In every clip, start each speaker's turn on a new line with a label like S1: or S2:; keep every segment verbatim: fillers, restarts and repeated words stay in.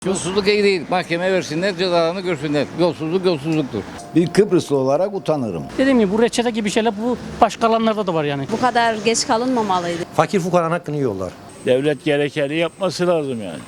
S1: Yolsuzluk iyi değil. Mahkemeye versinler, cezalarını görsünler. Yolsuzluk yolsuzluktur.
S2: Bir Kıbrıslı olarak utanırım.
S3: Dediğim gibi bu reçete gibi şeyler bu başka alanlarda da var yani.
S4: Bu kadar geç kalınmamalıydı.
S5: Fakir fukaranın hakkını yiyorlar.
S6: Devlet gerekeni yapması lazım yani.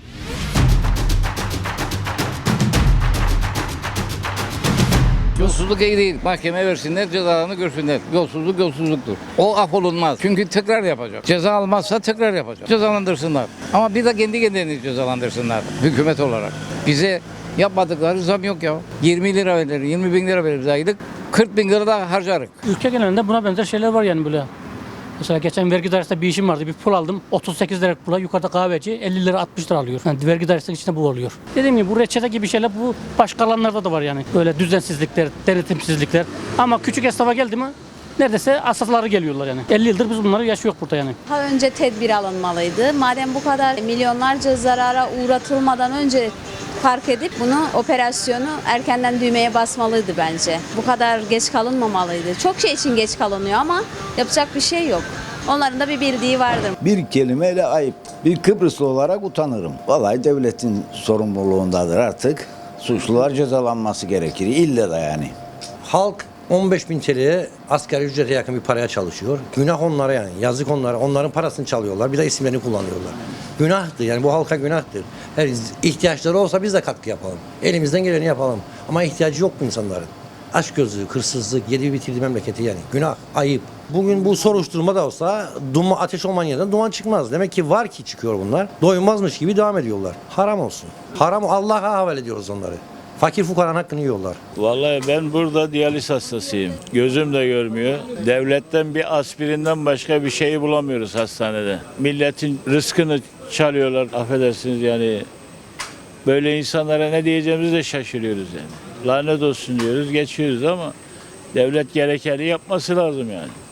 S1: Yolsuzluk iyi değil. Mahkemeye versinler, cezalarını görsünler. Yolsuzluk yolsuzluktur. O affolunmaz. Çünkü tekrar yapacak. Ceza almazsa tekrar yapacak. Cezalandırsınlar. Ama bir de kendi kendilerini cezalandırsınlar. Hükümet olarak. Bize yapmadıkları zam yok ya. yirmi lira verir, yirmi bin lira veririz aylık. kırk bin lira da harcarık.
S3: Ülke genelinde buna benzer şeyler var yani böyle. Mesela geçen vergi dairesinde bir işim vardı. Bir pul aldım. otuz sekiz lira pula yukarıda kahveci elli lira altmış lira alıyor. Yani vergi dairesinin içinde bu oluyor. Dediğim gibi bu reçete gibi şeyler bu başka alanlarda da var yani. Böyle düzensizlikler, denetimsizlikler. Ama küçük esnafa geldi mi neredeyse asafları geliyorlar yani. elli yıldır biz bunları yaşıyoruz burada yani.
S4: Daha önce tedbir alınmalıydı. Madem bu kadar milyonlarca zarara uğratılmadan önce fark edip bunu, operasyonu erkenden düğmeye basmalıydı bence. Bu kadar geç kalınmamalıydı. Çok şey için geç kalınıyor ama yapacak bir şey yok. Onların da bir bildiği vardır.
S2: Bir kelimeyle ayıp. Bir Kıbrıslı olarak utanırım. Vallahi devletin sorumluluğundadır artık. Suçlular cezalanması gerekir. İlle de yani.
S5: Halk on beş bin T L'ye asgari ücrete yakın bir paraya çalışıyor. Günah onlara yani. Yazık onlara. Onların parasını çalıyorlar. Bir de isimlerini kullanıyorlar. Günahtır yani bu halka günahtır. Her ihtiyaçları olsa biz de katkı yapalım. Elimizden geleni yapalım. Ama ihtiyacı yok bu insanların. Açgözlülük, hırsızlık, yedi bitirdi memleketi yani. Günah, ayıp. Bugün bu soruşturma da olsa duman, ateş olmayan yerden duman çıkmaz. Demek ki var ki çıkıyor bunlar. Doymazmış gibi devam ediyorlar. Haram olsun. Haram Allah'a havale ediyoruz onları. Fakir fukaranın hakkını yiyorlar.
S6: Vallahi ben burada diyaliz hastasıyım. Gözüm de görmüyor. Devletten bir aspirinden başka bir şeyi bulamıyoruz hastanede. Milletin rızkını çalıyorlar, affedersiniz yani. Böyle insanlara ne diyeceğimizi de şaşırıyoruz yani. Lanet olsun diyoruz, geçiyoruz ama devlet gerekeni yapması lazım yani.